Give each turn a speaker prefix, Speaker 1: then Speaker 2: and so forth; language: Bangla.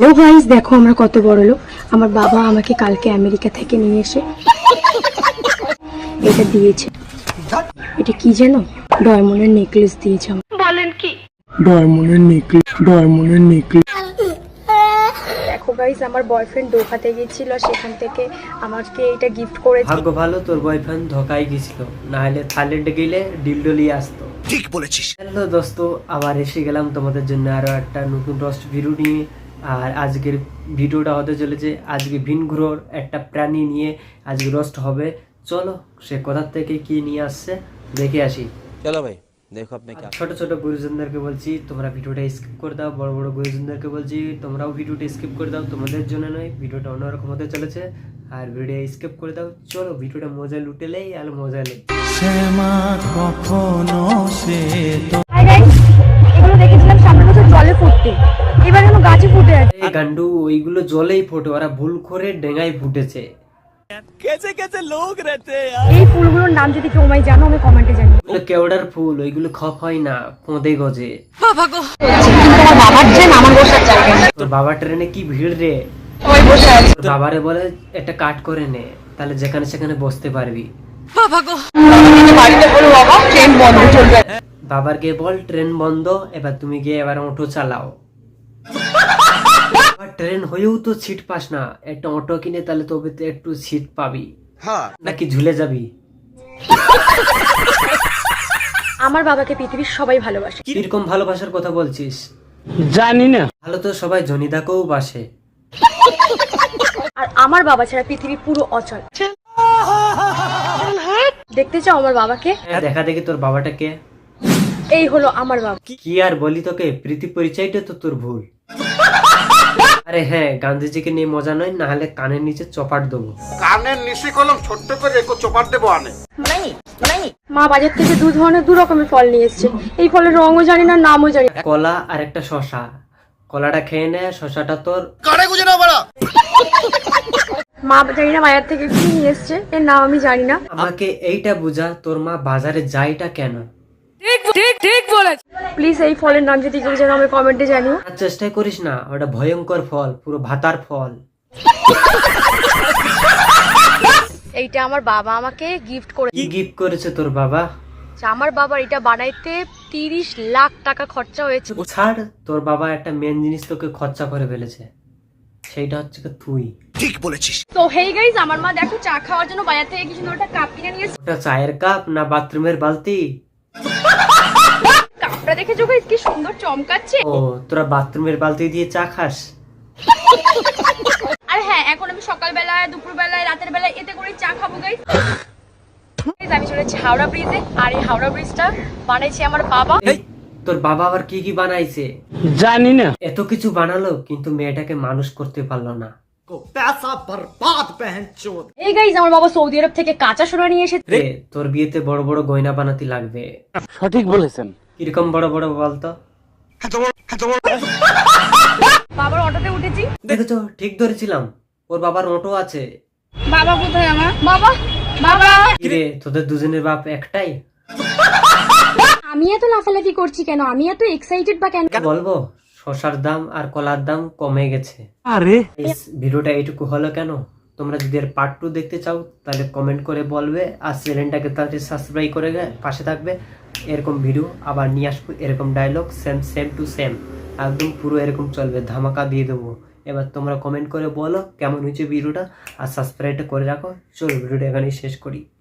Speaker 1: হ্যালো গাইস, দেখো আমরা কত বড় লোক। আমার বাবা আমাকে কালকে আমেরিকা থেকে নিয়ে এসে এটা দিয়েছে। এটা কি জানো? ডায়মন্ডের নেকলেস দিয়েছে। বলেন কি? ডায়মন্ডের নেকলেস। দেখো গাইস, আমার বয়ফ্রেন্ড ধোকাতে গিয়েছিল, সেখান থেকে আমাকে এটা গিফট করেছে।
Speaker 2: ভাগ্য ভালো তোর বয়ফ্রেন্ড ধোকায় গেছিল, না হলে থাইল্যান্ডে গেলে ডিলডলি আসতো।
Speaker 3: ঠিক বলেছিস।
Speaker 2: হ্যালো দোস্ত, আবার এসে গেলাম তোমাদের জন্য আরো একটা নতুন রোস্ট ভিডিও নিয়ে। আর আজকের ভিডিওটা হতে চলেছে আজকে ভিনগ্রহর একটা প্রাণী নিয়ে আজকে রোস্ট হবে। চলো সে কোথা থেকে কি নিয়ে আসছে দেখে আসি।
Speaker 3: চলো ভাই দেখো আপনি কি।
Speaker 2: ছোট ছোট গুরুজনদেরকে বলছি তোমরা ভিডিওটা স্কিপ করে দাও, বড় বড় গুরুজনদেরকে বলছি তোমরাও ভিডিওটা স্কিপ করে দাও, তোমাদের জন্য নয়, ভিডিওটা অন্যরকম হতে চলেছে। আর ভিডিও স্কিপ করে দাও, চলো ভিডিওটা মজা লুটেলেই আর মজা নেই।
Speaker 1: হাই গাইস, এগুলো দেখেছিলাম সামনের বছর জলে ফুটতে, এবার যেন গাছে ফুটে আছে।
Speaker 2: এই গান্ডু, ওইগুলো জলেই ফোটে, ওরা ভুল করে ডেঙ্গায় ফুটেছে।
Speaker 1: এই ফুলগুলোর নাম যদি কেউ আমায় জানো, আমি কমেন্টে জানিও।
Speaker 2: ওগুলো কেওড়ার ফুল, ওইগুলো খপ হয় না, ফোঁদে গজে।
Speaker 1: তোমার বাবার ট্রেন, আমার বসার জায়গা নেই।
Speaker 2: তোর বাবার ট্রেনে কি ভিড় রে।
Speaker 1: ওই বসে আছে।
Speaker 2: তোর বাবারে বলে একটা কাট করে নে, তাহলে যেখানে সেখানে বসতে পারবি।
Speaker 1: বাড়িতে বলো বাবা ট্রেন বন্ধ চলবে।
Speaker 2: বাবার গিয়ে বল ট্রেন বন্ধ, এবার তুমি গিয়ে এবার অটো চালাও। ট্রেন হয়েও তো সিট পাস না, একটা অটো কিনে তাহলে তবে তো একটু সিট পাবি।
Speaker 3: হ্যাঁ
Speaker 2: নাকি ঝুলে যাবি।
Speaker 1: আমার বাবাকে পৃথিবীর সবাই ভালোবাসে।
Speaker 2: কিরকম ভালোবাসার কথা বলছিস?
Speaker 4: জানি না।
Speaker 2: ভালো তো সবাই জনিদাকেও বাসে।
Speaker 1: আর আমার বাবা ছাড়া পৃথিবী পুরো অচল। দেখতে চাও আমার বাবাকে?
Speaker 2: হ্যাঁ, দেখা দেখি তোর বাবাটাকে।
Speaker 1: এই হলো আমার বাবা।
Speaker 2: কি আর বলি তোকে, প্রীতি পরিচয়টা তো তোর ভুল। আরে হ্যাঁ, গান্ধীজিকে নিয়ে মজা নয়, না হলে কানের নিচে চপাট দেবো।
Speaker 3: কানের নিচে কলম ছোট্ট করে একটু চোপার দেবো আনে।
Speaker 1: মা বাজার থেকে দু রকমের ফল নিয়ে এসেছে। এই ফলের রঙও জানি না, নামও জানি না।
Speaker 2: কলা আর একটা শশা। কলাটা খেয়ে নে, শশাটা তোর।
Speaker 3: কানে গুজে না বড়া।
Speaker 1: মা জানি না বাজার থেকে কি নিয়ে এসেছে, এর নাম আমি জানি না।
Speaker 2: আমাকে এইটা বুঝা, তোর মা বাজারে যাইটা কেন?
Speaker 1: প্লিজ এই ফলের নাম যদি কেউ জানো, আমি কমেন্টে জানিও।
Speaker 2: আর চেষ্টাই করিস না, ওটা ভয়ঙ্কর ফল, পুরো ভাতার ফল।
Speaker 1: এইটা আমার বাবা আমাকে গিফট করে।
Speaker 2: কি গিফট করেছে তোর বাবা?
Speaker 1: আমার বাবার এটা বানাইতে 30 লাখ টাকা খরচা হয়েছে।
Speaker 2: ছাড়, তোর বাবা একটা মেন জিনিস তোকে খরচা করে ফেলেছে, সেইটা হচ্ছে তুই।
Speaker 3: ঠিক বলেছিস।
Speaker 1: তো হেই গাইস, আমার মা দেখো চা খাওয়ার জন্য বাজার থেকে কি সুন্দর একটা কাপ কিনে নিয়ে এসেছে।
Speaker 2: ওটা চায়ের কাপ না বাথরুমের বালতি?
Speaker 1: কাপটা দেখেছো গাইস, কি সুন্দর চমকাচ্ছে।
Speaker 2: ও, তোরা বাথরুমের বালতি দিয়ে চা খাস?
Speaker 1: আর হ্যাঁ, এখন আমি সকালবেলায়, দুপুরবেলায়, রাতের বেলায় এতে করে চা খাবো গাইস। আমি চলেছি হাওড়া ব্রিজে, আর এই হাওড়া ব্রিজটা বানাইছে আমার বাবা।
Speaker 2: এই, তোর বাবা আবার কি কি বানাইছে?
Speaker 4: জানি না।
Speaker 2: এত কিছু বানালো কিন্তু মেয়েটাকে মানুষ করতে পারলো না।
Speaker 1: এই গাইস, আমার বাবা সৌদি আরব থেকে কাঁচা সোনা নিয়ে এসেছে।
Speaker 2: রে, তোর বিয়েতে বড় বড় গয়না বানাতে লাগবে।
Speaker 4: সঠিক বলেছেন।
Speaker 2: কিরকম বড় বড় বলতো?
Speaker 1: বাবার অটোতে উঠেছি।
Speaker 2: দেখেছো, ঠিক ধরেছিলাম, ওর বাবার অটো আছে।
Speaker 1: বাবা কোথায় আমার? বাবা, বাবা।
Speaker 2: কিরে, তোদের দুজনের বাপ একটাই?
Speaker 1: আমি এত লাফালাফি করছি কেন? আমি এত এক্সাইটেড বা কেন?
Speaker 2: বলবো, শসার দাম আর কলার দাম কমে গেছে।
Speaker 4: আরে
Speaker 2: ভিডিওটা এইটুকু হলো কেন? তোমরা যদি এর পার্ট 2 দেখতে চাও তাহলে কমেন্ট করে বলবে, আর চ্যানেলটাকে তাহলে সাবস্ক্রাইব করে পাশে থাকবে। এরকম ভিডিও আবার নিয়ে আসবো, এরকম ডায়লগ সেম টু সেম, একদম পুরো এরকম চলবে, ধামাকা দিয়ে দেবো। এবার তোমরা কমেন্ট করে বলো কেমন হয়েছে ভিডিওটা, আর সাবস্ক্রাইবটা করে রাখো। চলো ভিডিওটা এখানেই শেষ করি।